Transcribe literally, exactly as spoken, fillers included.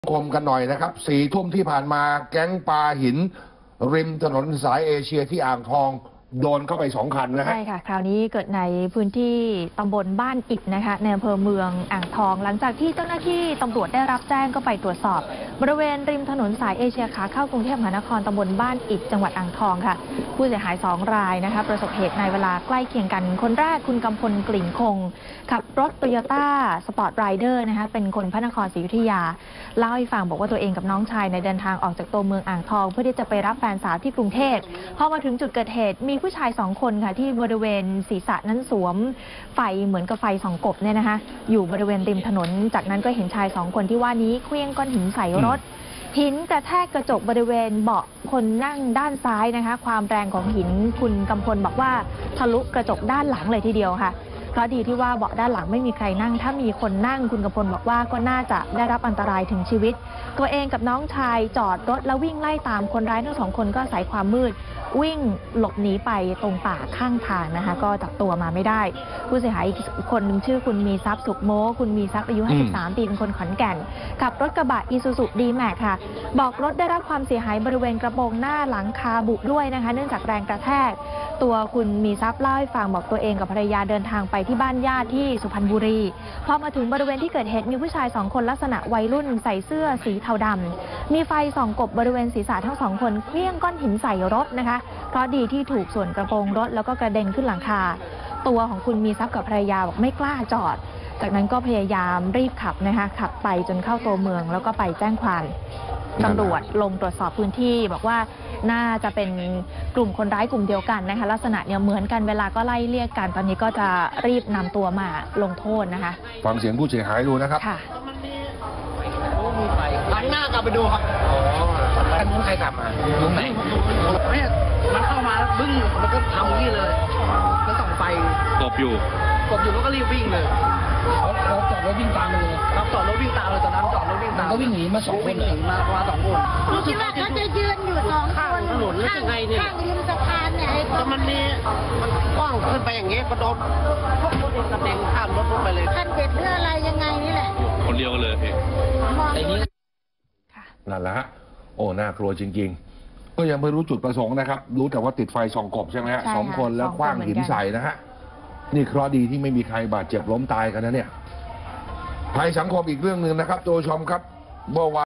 คมกันหน่อยนะครับสี่ทุ่มที่ผ่านมาแก๊งปาหินริมถนนสายเอเชียที่อ่างทองโดนเข้าไปสองคันนะฮะใช่ค่ะคราวนี้เกิดในพื้นที่ตำบลบ้านอิฐนะคะในอำเภอเมืองอ่างทองหลังจากที่เจ้าหน้าที่ตำรวจได้รับแจ้งก็ไปตรวจสอบบริเวณริมถนนสายเอเชียขาเข้ากรุงเทพมหานครตำบลบ้านอิฐจังหวัดอ่างทองค่ะผู้เสียหายสองรายนะคะประสบเหตุในเวลาใกล้เคียงกันคนแรกคุณกำพลกลิ่นคงขับรถโตโยต้าสปอร์ตไรเดอร์นะคะเป็นคนพระนครศรีอยุธยาเล่าให้ฟังบอกว่าตัวเองกับน้องชายในเดินทางออกจากตัวเมืองอ่างทองเพื่อที่จะไปรับแฟนสาวที่กรุงเทพพอมาถึงจุดเกิดเหตุมีผู้ชายสองคนค่ะที่บริเวณศีรษะนั้นสวมไฟเหมือนกับไฟส่องกบเนี่ยนะคะอยู่บริเวณริมถนนจากนั้นก็เห็นชายสองคนที่ว่านี้เคลื่องก้อนหินใส่รถหินกระแทกกระจกบริเวณเบาะคนนั่งด้านซ้ายนะคะความแรงของหินคุณกำพลบอกว่าทะลุกระจกด้านหลังเลยทีเดียวค่ะเพราะดีที่ว่าเบาะด้านหลังไม่มีใครนั่งถ้ามีคนนั่งคุณกำพลบอกว่าก็น่าจะได้รับอันตรายถึงชีวิตตัวเองกับน้องชายจอดรถแล้ววิ่งไล่ตามคนร้ายทั้งสองคนก็อาศัยความมืดวิ่งหลบหนีไปตรงป่าข้างทางนะคะก็จับตัวมาไม่ได้ผู้เสียหายอีกคนหนึ่งชื่อคุณมีทรัพย์สุขโมคุณมีทรัพย์อายุห้าสิบสามปีเป็นคนขอนแก่นขับรถกระบะอีซูซูดีแม็กค่ะบอกรถได้รับความเสียหายบริเวณกระโปรงหน้าหลังคาบุด้วยนะคะเนื่องจากแรงกระแทกตัวคุณมีทรัพย์เล่าให้ฟังบอกตัวเองกับภรรยาเดินทางไปที่บ้านญาติที่สุพรรณบุรีพอมาถึงบริเวณที่เกิดเหตุมีผู้ชายสองคนลักษณะวัยรุ่นใส่เสื้อสีเทาดำมีไฟส่องกบบริเวณศีรษะทั้งสองคนเคลื่องก้อนหินใส่รถนะคะเพราะดีที่ถูกส่วนกระโปรงรถแล้วก็กระเด็นขึ้นหลังคาตัวของคุณมีทรัพย์กับภรรยาบอกไม่กล้าจอดจากนั้นก็พยายามรีบขับนะคะขับไปจนเข้าตัวเมืองแล้วก็ไปแจ้งความตำรวจลงตรวจสอบพื้นที่บอกว่าน่าจะเป็นกลุ่มคนร้ายกลุ่มเดียวกันนะคะลักษณะเนี่ยเหมือนกันเวลาก็ไล่เรียกกันตอนนี้ก็จะรีบนำตัวมาลงโทษนะคะฟังเสียงผู้เสียหายดูนะครับค่ะหันหน้ากลับไปดูครับอ๋ออันนู้นใครขับมาตรงไหนเนี่ยมันเข้ามาแล้วบึ้งมันก็ทำนี่เลยมันส่องไฟกบอยู่กบอยู่แล้วก็รีบวิ่งเลยเขาเขาจอดรถวิ่งตามเลยครับจอดรถวิ่งตามเลยตอนนั้นจอดรถวิ่งตามก็วิ่งหนีมาสองคนวิ่งหนีมามาสองคนคิดว่าเขาจะยืนอยู่สองคนถนนแล้วยังไงเนี่ยข้างริมสะพานเนี่ยแต่มันนี่มันกว้างขึ้นไปอย่างเงี้ยก็โดนพวกรถกระเด็นข้ามรถลงไปเลยท่านเด็ดเรื่องอะไรยังไงนี่แหละคนเดียวกันเลยพี่ไอ้นี้นั่นแหละฮะโอ้น่ากลัวจริงๆก็ยังไม่รู้จุดประสงค์นะครับรู้แต่ว่าติดไฟส่องกบใช่ไหมฮะสองคนแล้วคว้างหินใส่นะฮะนี่เคราะห์ดีที่ไม่มีใครบาดเจ็บล้มตายกันนะเนี่ยภัยสังคมอีกเรื่องหนึ่งนะครับตัวชมครับเมื่อวาน